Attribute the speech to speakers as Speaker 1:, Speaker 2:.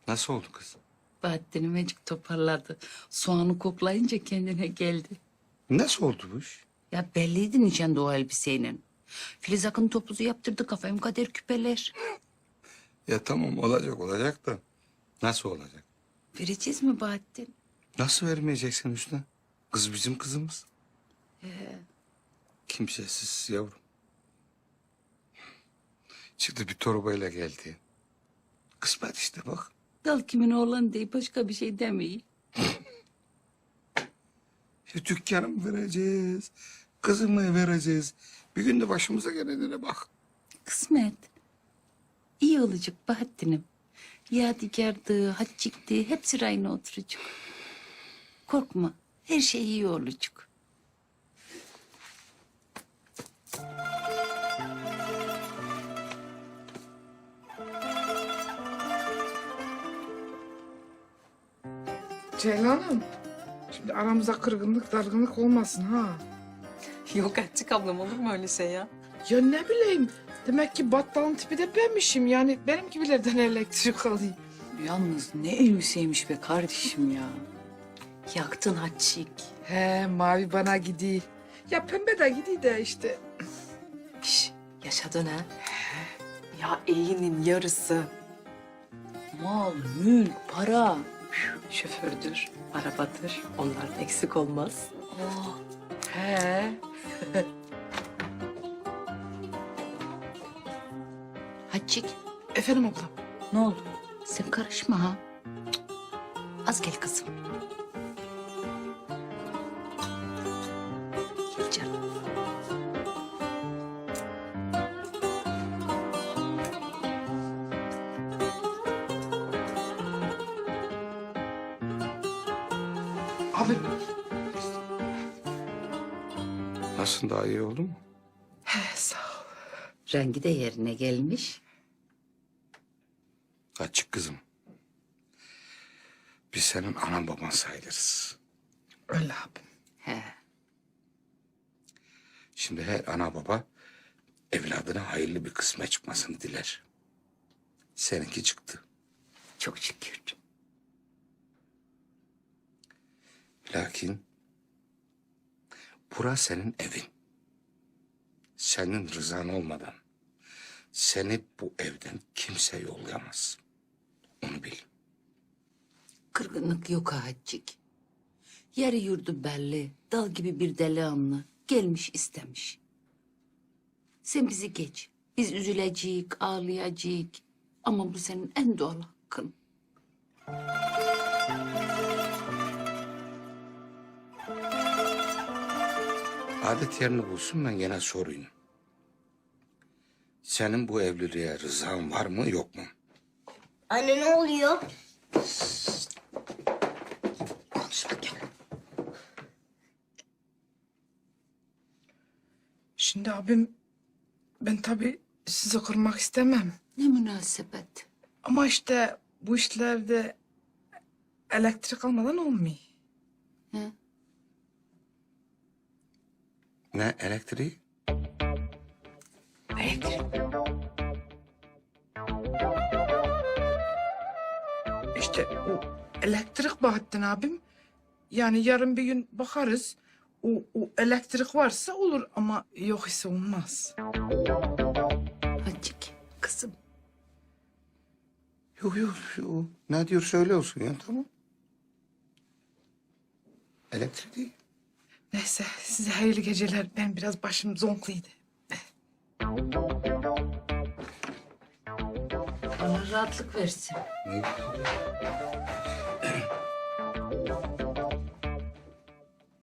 Speaker 1: Nasıl oldu kız?
Speaker 2: Bahattin'im azıcık toparladı. Soğanı koklayınca kendine geldi.
Speaker 1: Nasıl oldu bu iş?
Speaker 2: Ya belliydi nişanda o elbiseyle. Filiz Akın topuzu yaptırdı kafam kader küpeler.
Speaker 1: Ya tamam olacak da nasıl olacak?
Speaker 2: Vereceğiz mi Bahattin?
Speaker 1: Nasıl vermeyeceksin Hüsnü? Kız bizim kızımız. Kimsesiz yavrum. Çıktı bir torbayla geldi. Kısmet işte bak.
Speaker 2: Dal kimin oğlan değil başka bir şey demeyin.
Speaker 1: Ya dükkanı mı vereceğiz? Kızımı vereceğiz? Bir gün de başımıza gelenlere bak.
Speaker 2: Kısmet. İyi olacak Bahattin'im. Yadigardı, haccikti hepsi rayına oturacak. Korkma her şey iyi olacak.
Speaker 3: Ceylan'ım, şimdi aramıza kırgınlık, dargınlık olmasın ha.
Speaker 4: Yok Hatice ablam olur mu öyle şey ya?
Speaker 3: Ya ne bileyim, demek ki battalın tipi de benmişim. Yani benim gibilerden elektrik alayım.
Speaker 4: Yalnız ne elbiseymiş be kardeşim ya. Yaktın Hatice.
Speaker 3: He, mavi bana gidiyor. Ya pembe de gidiyor de işte.
Speaker 4: Şş, yaşadın ha? Ya iyinin yarısı. Mal, mülk, para. Şofördür, arabadır. Onlardan eksik olmaz.
Speaker 3: Oh, he.
Speaker 2: Haccik
Speaker 3: Efendim ablam.
Speaker 2: ne oldu? Sen karışma ha. Cık. Az gel kızım. Gel canım.
Speaker 3: Abi,
Speaker 1: Nasıl daha iyi oldu mu?
Speaker 3: he sağ ol.
Speaker 2: Rengi de yerine gelmiş.
Speaker 1: Açık kızım. Biz senin anan baban sayılırız.
Speaker 3: Öyle abim.
Speaker 2: He.
Speaker 1: Şimdi her ana baba evladına hayırlı bir kısmet çıkmasını diler. Seninki çıktı.
Speaker 2: Çok şükür.
Speaker 1: Lakin bura senin evin. Senin rızan olmadan seni bu evden kimse yollayamaz. Onu bil.
Speaker 2: Kırgınlık yok ha Haccik. Yeri yurdu belli. Dal gibi bir delikanlı. Gelmiş istemiş. Sen bizi geç. Biz üzülecek, ağlayacak. Ama bu senin en doğal hakkın.
Speaker 1: Adet yerini bulsun ben gene sorayım. Senin bu evliliğe rızan var mı yok mu?
Speaker 5: Anne ne oluyor?
Speaker 1: Konuşma gel.
Speaker 3: Şimdi abim, ben tabii sizi kırmak istemem.
Speaker 2: Ne münasebet.
Speaker 3: Ama işte bu işlerde elektrik almadan olmuyor.
Speaker 2: He?
Speaker 1: Ne elektriği?
Speaker 3: Elektrik. İşte o elektrik Bahattin abim. Yani yarın bir gün bakarız. O elektrik varsa olur ama yok ise olmaz.
Speaker 2: Haccik, kızım.
Speaker 1: Yok. Ne diyor söyle olsun ya tamam. Elektrik değil.
Speaker 3: Neyse size hayırlı geceler. Ben biraz başım zonkluydu.
Speaker 2: Bana rahatlık versin.
Speaker 1: Ne güzel.